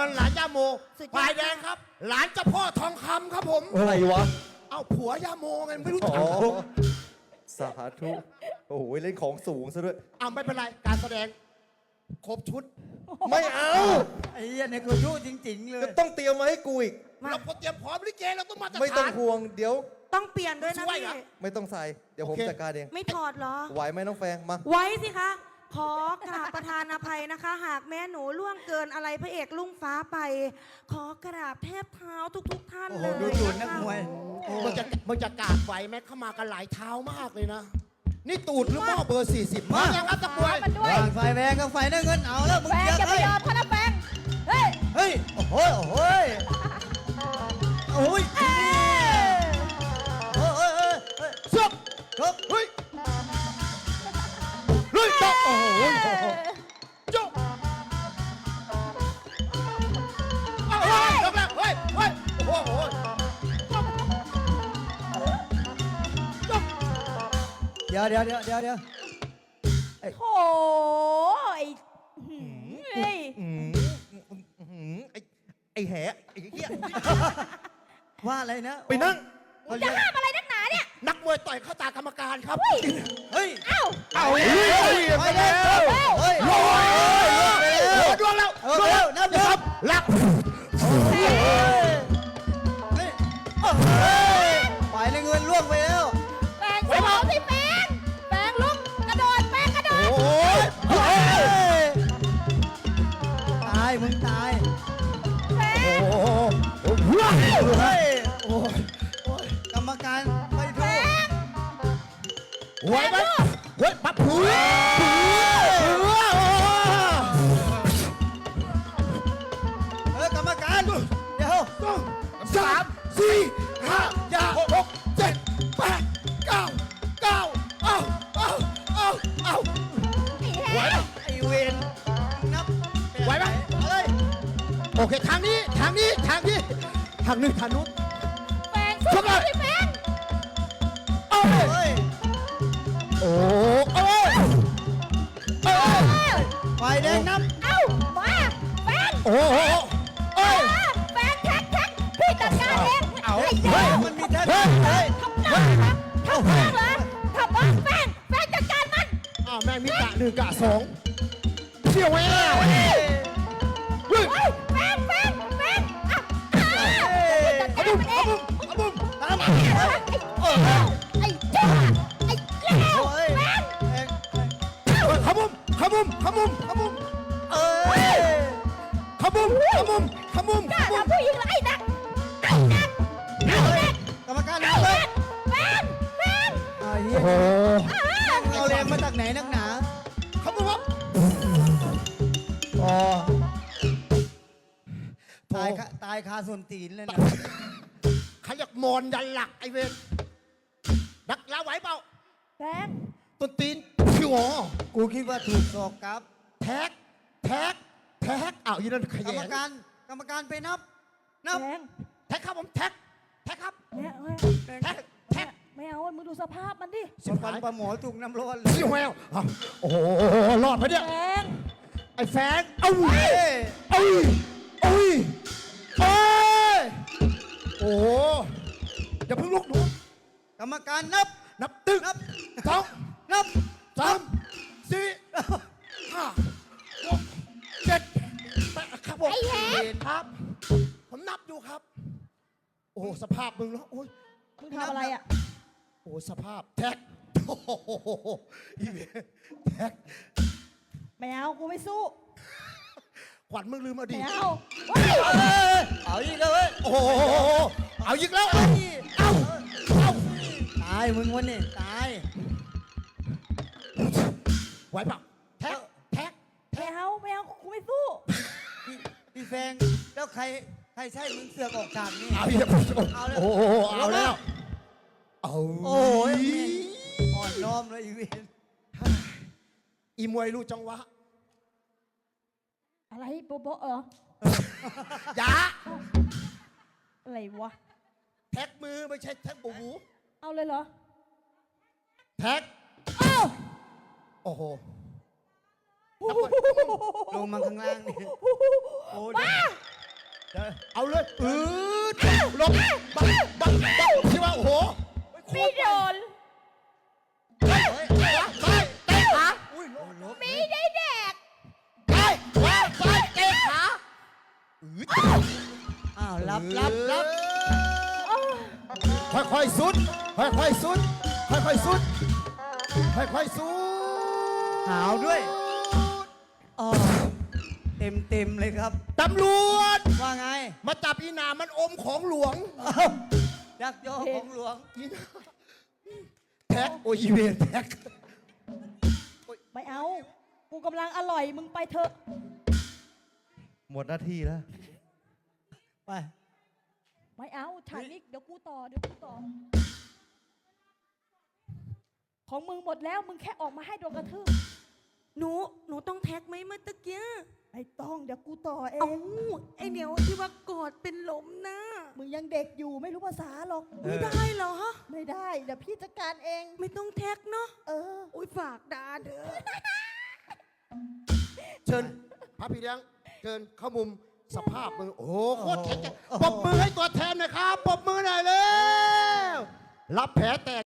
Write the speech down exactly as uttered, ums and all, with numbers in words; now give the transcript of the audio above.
รหลานย่าโมฝ่ายแดงครับหลานเจ้าพ่อทองคำครับผมอะไรวะเอาผัวย่าโมไงไม่รู้จักอ๋อสาธุโอ้โหเล่นของสูงซะด้วยเอาไม่เป็นไรการแสดงครบชุดไม่เอาไอ้เหี้ยในกูยุ่จริงๆเลยก็ต้องเตรียมมาให้กูอีกเราพอเตรียมพร้อมลิเกเราต้องมาตรฐานไม่ต้องห่วงเดี๋ยวต้องเปลี่ยนด้วยนะช่วยพี่เหรอไม่ต้องใส่เดี๋ยวผมโอเคจัดการเองไม่ถอดเหรอไหวไหมน้องแฟงมาไว้สิคะ ขอกราบประธานอภัยนะคะ หากแม่หนูล่วงเกินอะไรพระเอกลุ่งฟ้าไป ขอกราบแทบเท้าทุกๆท่านโอ้เลโหยดูตูดนักนะคะมวยมึงจะมึงจะกราบไหวไหมเข้ามากันหลายเท้ามากเลยนะ นี่ตูดหรือหม้อเบอร์สี่สิบมาอย่างนั้นตะบวยมันด้วยวางไฟแดงกับไฟน้ำเงินเอาแล้วมึงแฟงเจอย่าไปเฮ้ยยอมเขานะแฟงเฮ้ยเฮ้ยโอ้โหโอ้โหโอ้ยเอ้ยโอ้ยโอ้ยโอ้ยโอ้ยซึบครับเฮ้ยเฮ้ยจ๊อกโอ้โหจ๊อกเอาเฮ้ยจ๊อกแล้วเฮ้ยเฮ้ยโอ้โหจ๊อกจ๊อกเดี๋ยวเดี๋ยวเดี๋ยวเดี๋ยวเดี๋ยวโถ่ไอ้เฮ้ยอืมอื้อหือไอ้ไอ้แหไอ้เหี้ยว่าอะไรนะไปนั่งเขาจะเรียกห้ามอะไรนักหนาเนี่ยนักมวยต่อยเข้าตากรรมการครับเฮ้ยเอ้าเอาเฮ้ยไปแล้วเฮ้ยโอ้ยโอ้ยดวงแล้วเออเร็วนับเร็วลักเฮ้ยไฟน้ำเงินล่วงไปแล้วแฟงสู้เขาสิแฟงแฟงลุกกระโดดแฟงกระโดดโอ้ยเฮ้ยตายมึงตายแฟงโอ้โหเฮ้ยโอ้ยกรรมการไม่แฟถูกงไหวไหมเฮ้ยปั๊บผือผือเออกรรมการเดี๋ยวสามสี่ห้าอย่าหกเจ็ดแปดเก้าเก้าเอาเอาเอาเอาไหวไหมไอเวนนับไหวไหมเฮ้ยโอเคทางนี้ทางนี้ทางนี้ทางนี้ทางนู้นแฟงสู้เขาสิแฟงโอ้ยเฮ้ยโอ้โอ้ยโอ้ยเอ้าไฟแดงนับเอ้ามาแฟงโอ้โหโอ้ยมาแฟงแท็กแท็กพี่จัดการเองเอาไอ้เฮ้เจ้ายมันมีแท่งเฮ้ยทำหน้าครับทำหน้าเหรอทำบ้าแฟงแฟงจัดการมันอ้าวแม่งมีกะหนึ่งกะสองเชี่ยวแม่เฮ้ยเฮ้ยแฟงแฟงแฟงอ่ะอ่ะจัดเอาการบุ้มมันเอเอางบุ้มเอาบุ้มไอ้เจ้าไอ้เจ้าไอ้เจ้าเฮ้ยแฟงแท่งขบุ้มขบุ้มขบุ้มขบุ้มเอ้ยขบุ้มขบุ้มขบุ้มกล้าทำผู้หญิงเหรอไอ้นักไอ้นักไอ้นักกรรมการไอ้นับเลยนักแฟงแฟงไอ้เหี้โอ้ยโหอ่ะเอาแรงมาจากไหนนักหนาขบุ้มครับอ๋อตายคาตายคาส่วนตีนเลยนะขยักมอนยันหลักไอเวนนักลาไหวเปล่าแฟงต้นตีนผิวอ๋อกูคิดว่าถูกศอกกลับแท็กแท็กแท็กอ้าวยี่นั่นขกรยัรมนการกรรมการไปนับ นับแฟงแท็กครับผมแท็กแท็กครับเนี่ยเฮ้ยแท็กแท็กไม่เอามึงดูสภาพมันดิสิบฟัหาน ยปลาหมอถูกน้ำร้อนเลเชี่ยยวแววอ้าวโอ้โหรอดปะเนี่ยแฟงไอ้แฟงเอ้าเฮ้ยเอ้ยเอ้ยเอ้ยโอ้โหอย่าเพิ่งลุกหนูกรรมการนับนับตึ้งนับสองนับสามสี่ห้าหกเจ็ดแปดครับผมไอ้แฮะครับ ผมนับอยู่ครับ โอ้โหสภาพมึงแล้วโอ้ยมึงทำอะไรอ่ะโอ้โหสภาพแท็กโอ้โหอีเวนแท็กไม่เอากูไม่สู้ขวัญมึงลืมอดีไม่ตเอาเฮ้ยเอ้ยเอาอีกแล้วเว้ยโอ้โหเอาอีกแล้วเอาเอาเอาตายมึงวันนี้ตายไหวเปล่าแท็กแท็กไม่เอาไม่เอากูไม่สู้พี่พี่แฟงแล้วใครใครใช่มึงเสือกออกฉากนี่เอาอีกแล้วโอ้โหเอาแล้วเอาโอ้ยอ่อนน้อมเลยอีเวนอีมวยรู้จังหวะอะไรโบโบเอออย่าอะไรวะแท็กมือไม่ใช่แท็กบูบูเอาเลยเหรอแท็กเอ้าโอ้โหลงมาข้างล่างนี่โอ้ยมาเอาเลยอืดลงบังบังบังที่ว่าโอ้โหไม่โดนไปเตะขาอุ้ยลบลบไม่ได้แดกไปขวาซ้ายเตะขาอืดอ้าวรับรับรับค่อยๆสุดค่อยๆสุดค่อยๆสุดค่อยๆสุดหาวด้วยอ๋อเต็มเต็มเลยครับตำรวจว่าไงมาจับอีหนามันอมของหลวงเอ้ายักยอกของหลวงอีหนาแท็กโอ้ยอีเวนแท็กไม่เอา กูกำลังอร่อยมึงไปเถอะหมดหน้าที่แล้วไปไม่เอาฉากนี้เดี๋ยวกูต่อเดี๋ยวกูต่อ ของมึงหมดแล้วมึงแค่ออกมาให้โดนกระทืบหนูหนูต้องแท็กไหมเมื่อตะกี้ไม่ต้องเดี๋ยวกูต่อเอเอ้าง ไอเหนียวที่ว่ากอดเป็นลมนะมึงยังเด็กอยู่ไม่รู้ภาษาหรอกไม่ได้เหรอไม่ได้ เดี๋ยวพี่จัดการเองไม่ต้องแท็กเนาะเอออุ้ยฝากดาเด้อเชิญพระพี่เลี้ยงเชิญเข้ามุมสภาพมือโอ้โหโคตรแข็งแกร่งปรบมือให้ตัวแทนหน่อยครับปรบมือหน่อยเร็วรับแผลแตก